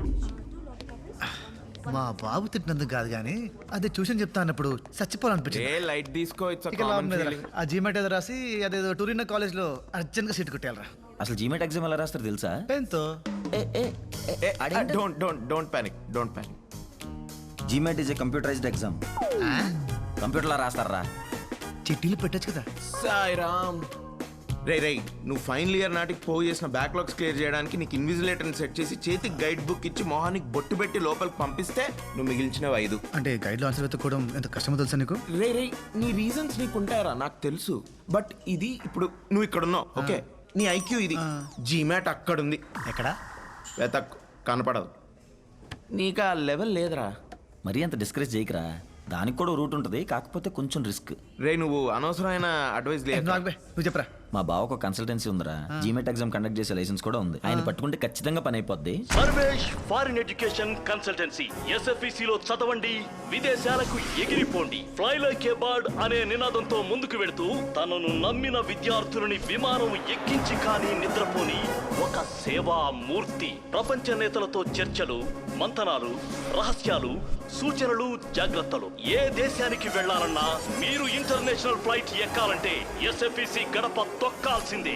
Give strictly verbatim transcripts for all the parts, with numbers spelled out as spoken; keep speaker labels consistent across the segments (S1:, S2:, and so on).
S1: మా బాబు తిట్టినందుకు కాదు కానీ అదే ట్యూషన్ చెప్తా అన్నప్పుడు చచ్చిపోవాలనిపించింది.
S2: ఏ లైట్ తీసుకో, it's a
S1: ఇక
S2: common
S1: లాభం లేదురా.
S2: feeling.
S1: ఆ జీమెట్ ఏదో రాసి అదేదో టూరిన్ కాలేజ్ లో అర్జెంట్ గా సీట్ కొట్టేయాలరా.
S3: అసలు జీమెట్ ఎగ్జామ్ ఎలా రాస్తారు తెలుసా?
S1: పెన్ తో.
S3: ఏ ఏ
S2: ఏ, uh, don't don't don't panic, don't panic.
S3: GMAT is a computerized exam. కంప్యూటర్లో రాస్తారా?
S1: చిట్టీలు పెట్టచ్చు కదా.
S2: సాయిరామ్. రే రే నువ్వు ఫైనల్ ఇయర్ నాటికి పోగు చేసిన బ్యాక్లాగ్స్ క్లియర్ చేయడానికి నీకు ఇన్విజిలేటర్ని సెట్ చేసి చేతికి గైడ్ బుక్ ఇచ్చి మొహానికి బొట్టు పెట్టి లోపలికి పంపిస్తే నువ్వు మిగిల్చినవి ఐదు.
S1: అంటే గైడ్ లో ఆన్సర్ వెతుక్కోవడం ఎంత కష్టమో తెలుసా నీకు?
S2: రే రే నీ రీజన్స్ నీకు ఉంటాయరా నాకు తెలుసు, బట్ ఇది ఇప్పుడు నువ్వు ఇక్కడ ఉన్నావు ఓకే, నీ ఐక్యూ ఇది. జీమాట్ అక్కడ ఉంది.
S1: ఎక్కడ?
S2: వెతక్ కనపడదు. నీకు ఆ లెవెల్ లేదురా.
S3: మరీ అంత డిస్కరేజ్ చేయకరా, దానికి కూడా రూట్ ఉంటుంది, కాకపోతే కొంచెం రిస్క్.
S2: రే నువ్వు అనవసరమైన అడ్వైస్ లేదు.
S1: నువ్వు చెప్పరా.
S3: మా బావకు ఒక కన్సల్టెన్సీ ఉందిరా, జీమెట్ ఎగ్జామ్ కండక్ట్ చేసే లైసెన్స్ కూడా ఉంది. ఆయన పట్టుకుంటే ఖచ్చితంగా పని అయిపోద్ది.
S4: Sarvesh foreign education consultancy SFEC లో చదవండి, విదేశాలకు ఎగిరిపోండి. ఫ్లై లైక్ ఏ బర్డ్ అనే నినాదంతో ముందుకు వెళుతూ తనను నమ్మిన విద్యార్థులని విమానం ఎక్కించి కానీ నిద్రపోని ఒక సేవా మూర్తి. ప్రపంచ నేతలతో చర్చలు, మంతనాలు, రహస్యాలు, సూచనలు, జాగ్రత్తలు. ఏ దేశానికి వెళ్లాలన్నా మీరు ఇంటర్నేషనల్ ఫ్లైట్ ఎక్కాలంటే ఎస్ఎఫ్ఈసి గడప తొక్కాల్సిందే.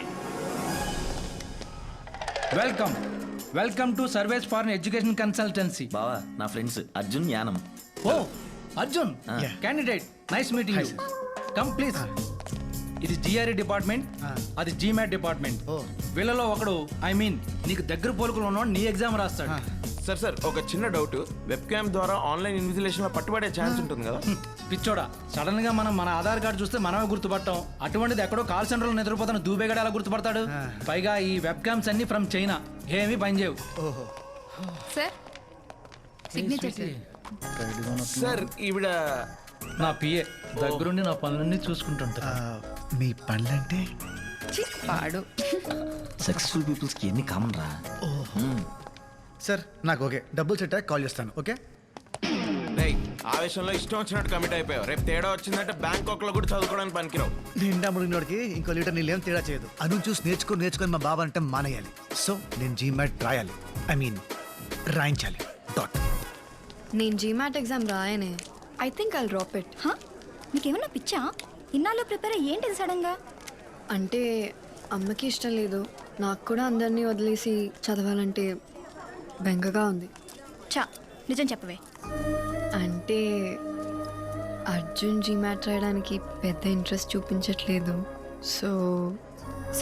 S5: Welcome welcome to Sarvesh for education consultancy.
S3: బావా నా friends Arjun, Yanam.
S5: Oh Arjun, candidate, nice meeting you. Come please. ఇది జిఆర్ఈ డిపార్ట్మెంట్, అది జీమాట్ డిపార్ట్మెంట్. వీళ్ళలో ఒకడు, ఐ మీన్ నీకు దగ్గర పోలుకులు ఉన్నవాడు నీ ఎగ్జామ్ రాస్తాడు.
S2: సార్ సార్ ఒక చిన్న డౌట్, వెబ్ క్యామ్ ద్వారా ఆన్లైన్ ఇన్విజిలేషన్ లో పట్టుబడే ఛాన్స్ ఉంటుంది కదా?
S5: పిచ్చోడా, సడన్ గా మనం మన ఆధార్ కార్డు చూస్తే మనమే గుర్తుపట్టాం, అటువంటిది ఎక్కడో కాల్ సెంటర్ లో నిద్రపోతాను దూబేగాడు ఎలా గుర్తుపడతాడు? పైగా ఈ వెబ్ క్యామ్స్ అన్ని ఫ్రమ్ చైనా, ఏమీ పనిచేయవు.
S1: ఓహో
S6: సార్ సిగ్నేచర్
S2: సార్ ఈవిడ
S5: నా పిఏ దగ్గరుండి నా పనులన్నీ చూసుకుంటుంటా.
S1: మీ పనులంటే
S6: పాడు.
S3: సక్సెస్ఫుల్ పీపుల్స్ కి ఎన్ని కామన్ రా.
S1: సార్ నాకు ఓకే, డబ్బులు సెట్ అయ్యాక కాల్ చేస్తాను. ఓకే
S2: రేయ్ ఆవేశంలో ఇష్టం వచ్చినట్టు కమిట్ అయిపోయావు. రేపు తేడా వచ్చిందంటే బ్యాంకాక్ లో కూడా చదువుకోవడానికి పనికిరావు.
S1: నిండా ముడినోడికి ఇంకో లీటర్ నీళ్ళు ఏం తేడా చేయదు. అను చూసి నేర్చుకో నేర్చుకొని మా బాబా అంటే మానేయాలి. సో నేను జీమాట్ రాయాలి, ఐ మీన్ రాయించాలి. డాట్.
S6: నేను జీమాట్ ఎగ్జామ్ రాయనే. I think I'll drop it.
S7: హా? నీకేమన్నా పిచ్చా? ఇన్నాళ్ళు ప్రిపేర్ అయ్యేంటి సడన్గా?
S6: అంటే అమ్మకి ఇష్టం లేదు, నాకు కూడా అందరినీ వదిలేసి చదవాలంటే బెంగగా ఉంది.
S7: చా నిజం చెప్పవే.
S6: అంటే అర్జున్ జీమాట్ రాయడానికి పెద్ద ఇంట్రెస్ట్ చూపించట్లేదు. సో
S7: సో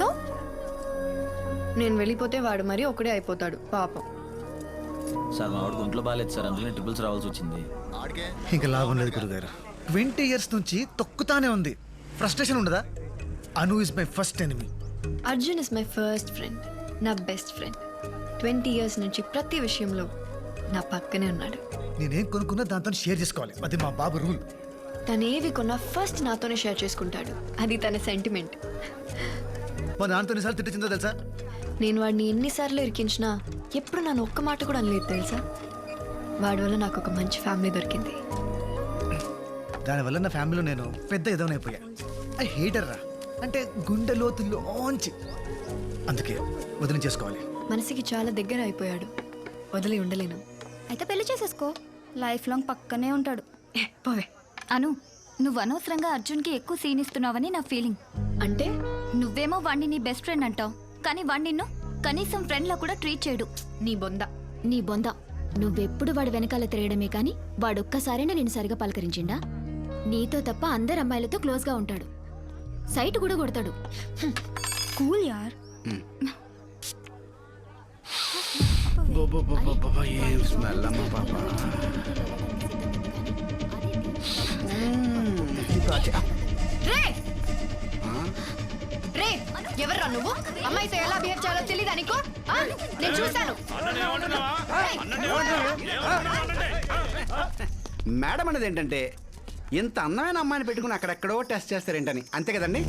S6: నేను వెళ్ళిపోతే వాడు మరీ ఒకడే అయిపోతాడు పాపం.
S3: సార్ మా వాడికి ఒంట్లో బాగాలేదు సార్, అందుకనే ట్రిపుల్స్ రావాల్సి వచ్చింది.
S1: ఇంకా లాభం లేదు గురుగారు. ట్వంటీ ఇయర్స్ నుంచి తొక్కుతానే ఉంది. ఫ్రస్ట్రేషన్ ఉండదా? Anu is my first enemy.
S6: Arjun is my first friend, నా బెస్ట్ ఫ్రెండ్. ట్వంటీ ఇయర్స్ నుంచి ప్రతి విషయంలో నా పక్కనే ఉన్నాడు.
S1: నేనేం కొనుక్కున్నా దాంతో షేర్ చేసుకోవాలి, అది మా బాబు రూల్.
S6: తనేవి కొన్నా ఫస్ట్ నాతోనే షేర్ చేసుకుంటాడు, అది తన సెంటిమెంట్.
S1: మా దాంతో ఎన్నిసార్లు తిట్టిందో తెలుసా?
S6: నేను వాడిని ఎన్నిసార్లు ఇరికించినా ఎప్పుడు నన్ను ఒక్క మాట కూడా అనలేదు తెలుసా. వాడి వల్ల నాకు ఒక మంచి ఫ్యామిలీ దొరికింది.
S1: దానివల్ల నా ఫ్యామిలీలో నేను పెద్ద ఎదవనైపోయా. ఐ హేటర్ రా, అంటే గుండె లోతుల్లోంచి. అందుకే వదిలి చేసుకోవాలి.
S6: మనసుకి చాలా దగ్గర అయిపోయాడు, వదిలి ఉండలేను.
S7: అయితే పెళ్లి చేసేసుకో, లైఫ్ లాంగ్ పక్కనే ఉంటాడు.
S6: ఏ, పోవే.
S7: అను, నువ్వు అనవసరంగా అర్జున్కి ఎక్కువ సీన్ ఇస్తున్నావని నా ఫీలింగ్.
S6: అంటే
S7: నువ్వేమో వాణ్ణి నీ బెస్ట్ ఫ్రెండ్ అంటావు, కానీ వాణ్ణి నిన్ను కనీసం ఫ్రెండ్ లా కూడా ట్రీట్ చేయడు.
S6: నీ బొంద.
S7: నీ బొంద. నువ్వెప్పుడు వాడి వెనకాల తిరగడమే కానీ వాడొక్కసారైనా నేను సరిగా పలకరించిండా? నీతో తప్ప అందరు అమ్మాయిలతో క్లోజ్గా ఉంటాడు, సైట్ కూడా కొడతాడు. కూల్ యార్.
S8: ఏం స్మెల్ అమ్మా పాప.
S6: రే ఎవర్రా నువ్వు? అమ్మాయితో ఎలా బిహేవ్ చేయాలో తెలీదా నీకు? నేను చూశాను.
S8: మేడం అనేది ఏంటంటే ఇంత అందమైన అమ్మాయిని పెట్టుకుని అక్కడెక్కడో టెస్ట్ చేస్తారేంటని, అంతే కదండి?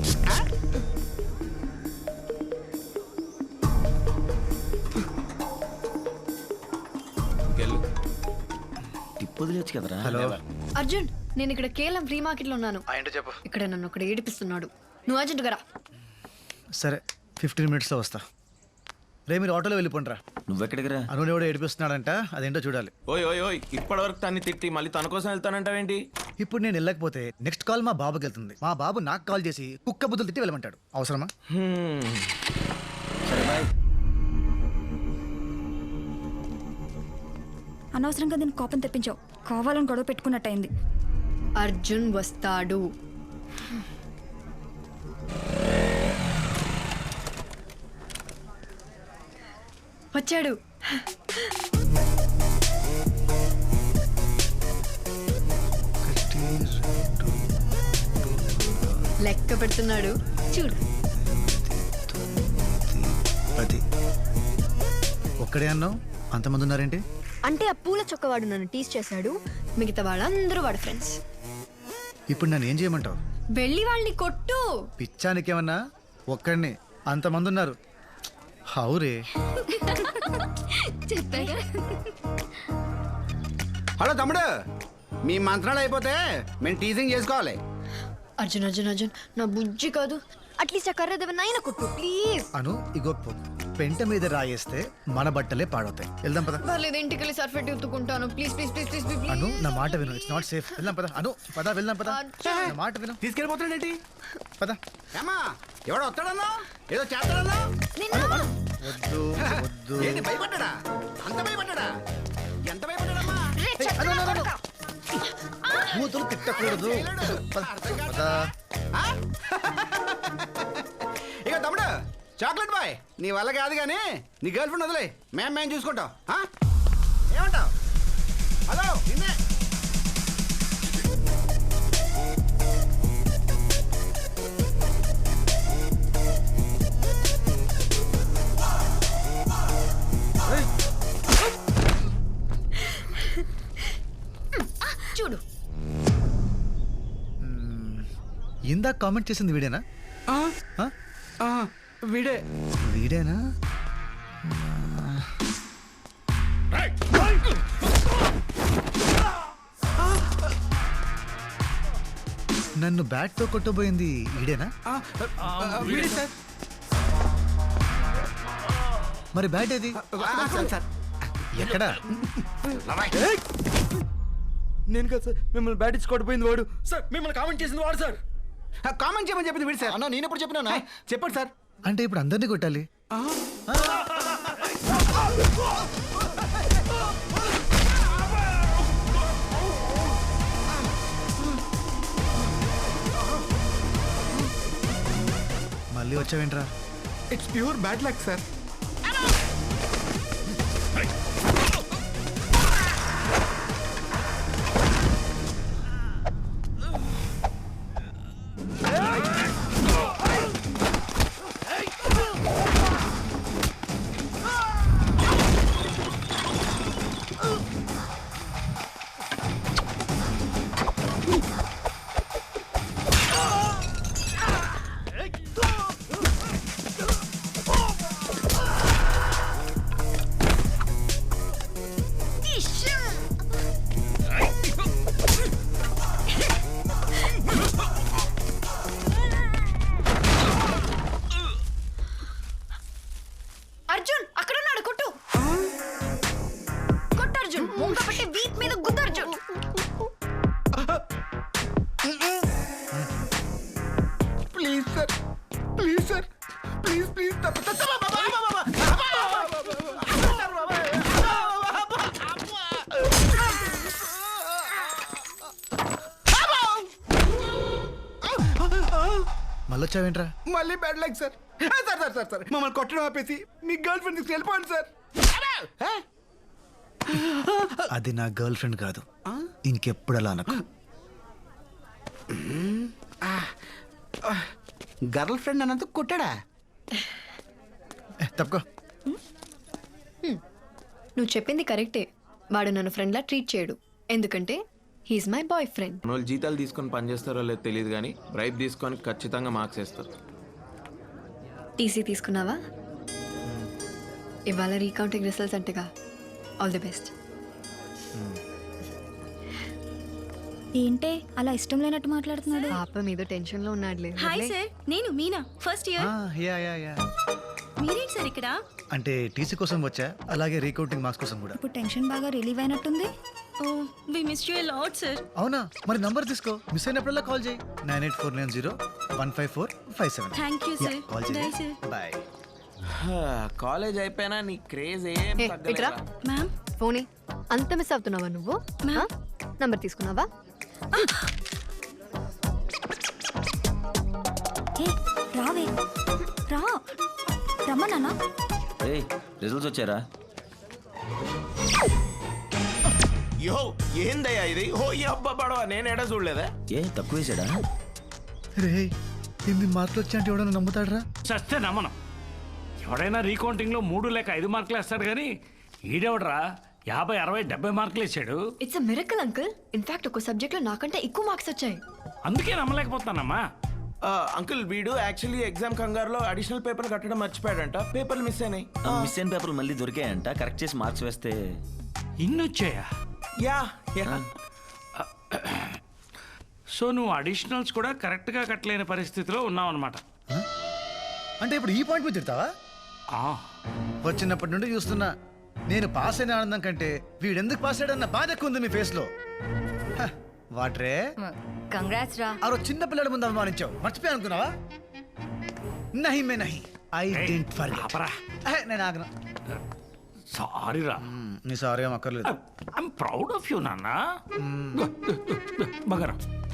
S3: టిప్ వదిలేచ్చు కదరా.
S1: హలో
S6: అర్జున్, నేను ఇక్కడ కేవలం ఫ్రీ మార్కెట్ లో ఉన్నాను.
S1: ఏంటో చెప్పు.
S6: ఇక్కడ నన్ను ఒకటి ఏడిపిస్తున్నాడు. నువ్వు అర్జెంట్ గా రా.
S1: సరే ఫిఫ్టీన్ మినిట్స్లో వస్తా. రే మీరు ఆటోలో వెళ్ళిపోండి రా.
S3: నువ్వెక్కడికి రా?
S1: అను ఎవడో ఏడిపిస్తున్నాడంట, అదేంటో చూడాలి.
S2: ఓయ్ ఓయ్ ఓయ్ ఇప్పటివరకు తన్ని తిట్టి మళ్ళీ తన కోసం వెళ్తానంటావేంటి?
S1: ఇప్పుడు నేను వెళ్ళకపోతే నెక్స్ట్ కాల్ మా బాబుకి వెళ్తుంది. మా బాబు నాకు కాల్ చేసి కుక్క బుద్ధులు తిట్టి వెళ్ళమంటాడు. అవసరమా?
S2: హ్మ్.
S3: సరే బాయ్.
S9: అనవసరంగా దీన్ని కోపం తెప్పించావు. కావాలని గొడవ పెట్టుకున్నట్టయింది.
S6: అర్జున్ వస్తాడు. వచ్చాడు. లెక్క పెడుతున్నాడు చూడు.
S1: అది ఒక్కడే అన్నావు, అంతమంది ఉన్నారేంటి?
S6: అంటే ఆ పూల చొక్కవాడు నన్ను టీస్ చేశాడు, మిగతా వాళ్ళందరూ వాడు ఫ్రెండ్స్.
S1: ఇప్పుడు నన్ను ఏం చేయమంటావు?
S6: వెళ్ళి వాళ్ళని కొట్టు.
S1: పిచ్చానికేమన్నా? ఒక్కడిని అంతమంది ఉన్నారు. హౌరే.
S7: చెప్పాగా.
S8: హలో తమ్ముడు, మీ మంత్రాలు అయిపోతే మేము టీజింగ్ చేసుకోవాలి.
S6: అర్జున్ అర్జున్ అర్జున్ నా బుజ్జి కాదు, అట్లీస్ట్ ఆ కర్ర దేవనైనా కొట్టు ప్లీజ్.
S1: అను ఇగో పో. పెంట మీద రాయేస్తే మన బట్టలే పాడవుతాయి. వెళ్దాం పద.
S6: పర్లేదు, ఇంటికి వెళ్ళి సర్ఫెట్ ఎత్తుకుంటాను. Please please please please please.
S1: Anu నా మాట విను, ఇట్స్ నాట్ సేఫ్. వెళ్దాం పద. అను పద, వెళ్దాం పద. నా మాట విను,
S8: తీసుకెళ్ళిపోతున్నాడేంటి?
S1: పద.
S8: ఏమా ఎవడో వస్తాడన్నా, ఏదో చేస్తాడన్నా?
S1: వద్దు వద్దు.
S8: ఏంటి భయపడ్డా? అంత భయపడ్డా? ఎంత భయపడ్డాడమ్మా?
S1: అను, అను, అను, అను. కూతురు తిట్టకూడదు. పద, పద.
S8: ఆ? ఇక తమ్ముడు చాక్లెట్ బాయ్, నీ వల్ల కాదు కానీ నీ గర్ల్ ఫ్రెండ్ వదిలే, మేము మేము చూసుకుంటాం. ఆ? ఏమంటావు? హలో నిన్నే.
S6: చూడు.
S1: ఇందాక కామెంట్ చేసింది వీడేనా? ఆ?
S8: వీడే
S1: వీడేనా? నన్ను బ్యాట్ తో కొట్టబోయింది ఈడేనా?
S8: వీడే సార్.
S1: మరి బ్యాట్ ఏది?
S8: సార్
S1: ఎక్కడా?
S5: నేను కదా సార్ మిమ్మల్ని బ్యాట్ ఇచ్చి కొట్టిపోయింది వాడు. సార్ మిమ్మల్ని కామెంట్ చేసింది వాడు సార్.
S8: కామెంట్ చేయమని చెప్పింది వీడు సార్.
S5: అన్న నేను ఎప్పుడు చెప్పినా
S8: చెప్పండి సార్.
S1: అంటే ఇప్పుడు అందరినీ కొట్టాలి? మళ్ళీ వచ్చావేంట్రా?
S8: It's pure bad luck sir.
S6: Arjun అక్కడ ఉన్నాడు, కొట్టు కొట్టు అర్జున్. ముంగ పట్టి వీక్ మీద గుద్దు Arjun.
S8: Please sir, please sir, please please.
S1: మళ్ళీ వచ్చావేంట్రా?
S8: మళ్ళీ bad luck sir. Sir sir sir sir మమ్మల్ని కొట్టడం ఆపేసి మీ గర్ల్ ఫ్రెండ్ తీసుకు వెళ్ళిపోండి సార్.
S1: అది నా గర్ల్ ఫ్రెండ్ కాదు, ఇంకెప్పుడు అలా అనకు.
S8: గర్ల్ ఫ్రెండ్ అన్నందుకు కొట్టాడా?
S1: ఏ, తప్పుకో.
S6: నువ్వు చెప్పింది కరెక్టే. వాడు నన్ను ఫ్రెండ్లా ట్రీట్ చేయడు, ఎందుకంటే హీస్ మై బాయ్ ఫ్రెండ్.
S2: వాళ్ళు జీతాలు తీసుకొని పని చేస్తారో లేదో తెలియదు కానీ బ్రైబ్ తీసుకొని ఖచ్చితంగా మార్క్స్ వేస్తారు.
S6: టీసీ తీసుకున్నావా? ఇవాళ రీకౌంటింగ్ రిజల్ట్స్ అంటగా. All the best.
S9: ఏంటే అలా ఇష్టం లేనట్టు మాట్లాడుతున్నాడు?
S6: పాప మీద టెన్షన్ లో ఉన్నాడులే.
S9: హాయ్ సార్, నేను Meena, first year.
S1: Yeah yeah yeah.
S9: మీరేంటి సార్ ఇక్కడ?
S1: అంటే టీసీ కోసం వచ్చా, అలాగే రీకౌంటింగ్ మార్క్స్ కోసం కూడా.
S9: ఇప్పుడు టెన్షన్ బాగా రిలీవ్ అయినట్టుంది.
S10: We miss you lot sir.
S1: అవునా, మరి నంబర్ తీసుకో, మిస్ అయినప్పుడల్లా కాల్ చేయి. Nine eight four nine zero one five four five seven.
S10: Thank you sir.
S1: Call
S10: bye
S1: చేయి.
S10: సార్.
S1: బాయ్.
S2: కాలేజ్ అయిపోయినా నీ క్రేజ్ ఏం
S6: ఏ, ఇట్రా.
S2: తగ్గలేదా?
S10: మ్యామ్
S6: ఫోనీ అంత మిస్ అవుతున్నావా నువ్వు? నంబర్ తీసుకున్నావా?
S9: ఏ రావే రా రమ్మన్నా.
S3: రే రిజల్ట్స్ వచ్చారా?
S2: యో ఏందయ్యా ఇది? ఓ ఈ అబ్బా పడవ నేను ఎడ చూడలేదా?
S3: ఏ తక్కువ వేసాడా?
S1: రే ఇన్ని మార్కులు వచ్చా అంటే ఎవడన్నా నమ్ముతాడరా?
S11: చస్తే నమ్మను. ఎవడైనా రీకౌంటింగ్ లో మూడు లేక ఐదు మార్కులు వేస్తాడు కానీ ఈడెవడరా యాభై అరవై డెబ్బై మార్కులు వేసాడు.
S6: It's a miracle uncle. In fact ఒక సబ్జెక్ట్ లో నాకంటే ఎక్కువ మార్క్స్ వచ్చాయి.
S11: అందుకే నమ్మలేకపోతానమ్మా.
S2: అంకుల్ వీడు యాక్చువల్లీ ఎగ్జామ్ కంగారులో అడిషనల్ పేపర్ కట్టడం మర్చిపోయాడంట. పేపర్లు మిస్ అయినాయి.
S3: మిస్ అయిన పేపర్లు మళ్ళీ దొరికాయంట. కరెక్ట్ చేసి మార్క్స్ వేస్తే
S11: ఇన్ని వచ్చాయా?
S2: యా యా
S11: సో నువ్వు అడిషనల్స్ కూడా కరెక్ట్ గా కట్టలేని పరిస్థితిలో ఉన్నావు అనమాట.
S1: అంటే ఇప్పుడు ఈ పాయింట్ మీద తిడతావా? వచ్చినప్పటి నుండి చూస్తున్నా, నేను పాస్ అయిన ఆనందం కంటే వీడెందుకు పాస్ అయ్యాడన్న బాధ ఎక్కువ ఉంది మీ ఫేస్ లో. హ, వాట్రే
S9: కంగ్రాట్స్ రా.
S1: ఆ రోజు చిన్న పిల్లల ముందు అవమానించావు, మర్చిపోయా అనుకున్నావా? నహి మే నహి, ఐ డెంట్ ఫర్గెట్.
S11: ఆపరా.
S1: నేను ఆగను.
S11: సారీ రా.
S1: మ్, నీ సారీ ఏం అక్కర్లేదు.
S11: ఐఎమ్ ప్రౌడ్ ఆఫ్ యూ నాన్న. బగరా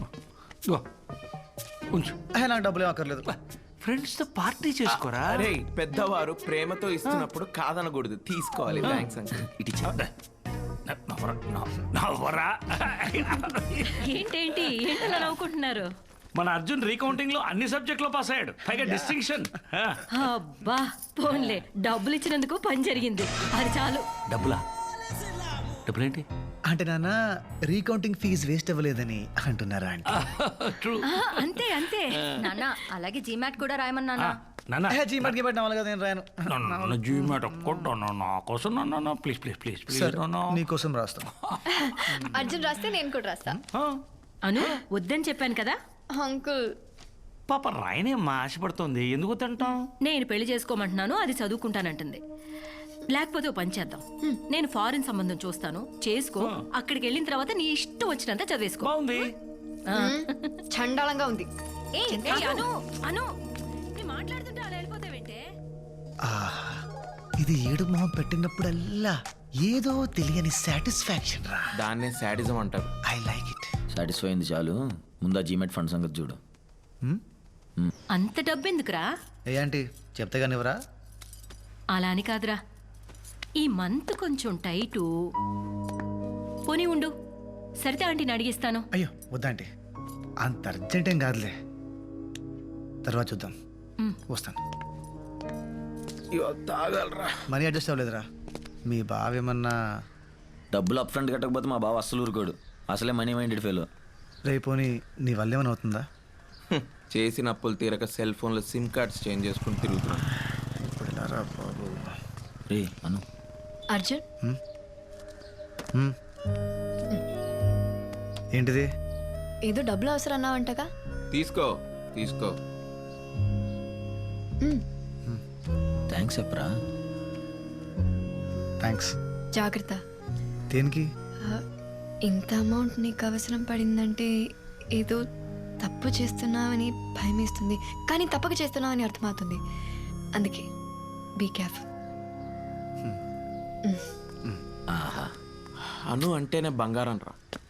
S11: ఉంచు.
S1: అహే, నాకు డబ్బులు ఏం అక్కర్లేదు.
S11: ఫ్రెండ్స్ తో పార్టీ చేసుకోరా.
S2: అరే పెద్దవారు ప్రేమతో ఇస్తున్నప్పుడు కాదనకూడదు, తీసుకోవాలి. Thanks uncle.
S3: ఇటు ఇచ్చే.
S11: నవ్వరా, నవ్వు- నవ్వరా.
S10: ఏంటేంటి ఏంటలా నవ్వుకుంటున్నారు?
S11: మన అర్జున్ రీకౌంటింగ్ లో అన్ని సబ్జెక్ట్ లో పాస్ అయ్యాడు, పైగా డిస్టింక్షన్.
S10: అబ్బా పోన్లే, డబ్బులు ఇచ్చినందుకు పని జరిగింది, అది చాలు.
S11: డబ్బులా? డబ్బులేంటి?
S1: అంటే నాన్న రీకౌంటింగ్ ఫీజు వేస్ట్ అవ్వలేదని అంటున్నారా అంటే?
S11: ట్రూ.
S10: ఆ, అంతే అంతే.
S9: నాన్న అలాగే జీమాట్ కూడా రాయమన్నా.
S11: నాన్న
S1: జీ మట్కి పెట్టిన వాళ్ళు కదా, నేను రాయను.
S11: నన్ను జీమేట్ ఒక్కటి నా కోసం నాన్న ప్లీజ్ ప్లీజ్ ప్లీజ్ ప్లీజ్
S1: సరే, నీకోసం రాస్తాను.
S6: అర్జున్ రాస్తే నేను కూడా రాస్తా.
S10: అను వద్దని చెప్పాను కదా.
S6: అంకుల్
S11: పాప రాయనేమ్మా ఆశపడుతోంది, ఎందుకు తింటాం?
S10: నేను పెళ్లి చేసుకోమంటున్నాను, అది చదువుకుంటానంటుంది. లేకపోతే ఓ పని చేద్దాం, నేను ఫారిన్ సంబంధం చూస్తాను, చేసుకో. అక్కడికి వెళ్ళిన తర్వాత నీ ఇష్టం వచ్చినంత చదివేసుకో.
S11: బాగుంది.
S10: ఆ.
S6: చండాలంగా ఉంది.
S10: ఏయ్, ఏయ్, అను అను నేను మాట్లాడుతుంటే అలా వెళ్ళిపోతావేంటే?
S1: ఆహా, ఇది ఏడు మొహం పెట్టినప్పుడల్లా ఏదో తెలియని సాటిస్ఫాక్షన్ రా.
S2: దాన్నే శాడిజం అంటారు.
S1: I like it.
S3: సాటిస్ఫై అయింది చాలు. ముందు ఆ జీమెట్ ఫండ్ సంగతి చూడు.
S10: అంత డబ్బెందుకురా?
S1: ఏ ఆంటీ చెప్తే కానివరా?
S10: అలా అని కాదురా, ఈ మంత్ కొంచెం టైటు. పోనీ ఉండు, సరితే ఆంటీని అడిగిస్తాను.
S1: అయ్యో వద్దాంటీ, అంత అర్జెంట్ ఏం కాదులే, తర్వాత చూద్దాం.
S10: మ్.
S1: వస్తాను.
S2: తాగలరా.
S1: Money adjust అవ్వలేదురా? మీ బావ ఏమన్నా?
S3: డబ్బులు అప్ ఫ్రంట్ కట్టకపోతే మా బావ అస్సలు ఊరుకోడు. అసలే మనీ మైండెడ్ ఫెలో.
S1: రేపోని నీ వల్ల ఏమైనా అవుతుందా?
S2: చేసిన అప్పులు తీరక సెల్ ఫోన్లో సిమ్ కార్డ్స్ చేంజ్ చేసుకుని తిరుగుతున్నాం.
S1: ఇప్పుడు ఎలా రా బాబు?
S3: రే అను.
S6: అర్జున్
S1: హ్మ్. ఏంటిది?
S6: ఏదో డబ్బులు అవసరం అన్నావంటగా.
S2: తీసుకో తీసుకో.
S3: థ్యాంక్స్ చెప్పరా.
S1: థ్యాంక్స్.
S6: జాగ్రత్త.
S1: దేనికి?
S6: ఆ, ఇంత అమౌంట్ నీకు అవసరం పడిందంటే ఏదో తప్పు చేస్తున్నావని భయం వేస్తుంది, కానీ తప్పక చేస్తున్నావని అర్థమవుతుంది. అందుకే బీ కేర్ఫుల్.
S3: ఆహా.
S2: అను అంటేనే బంగారం రా.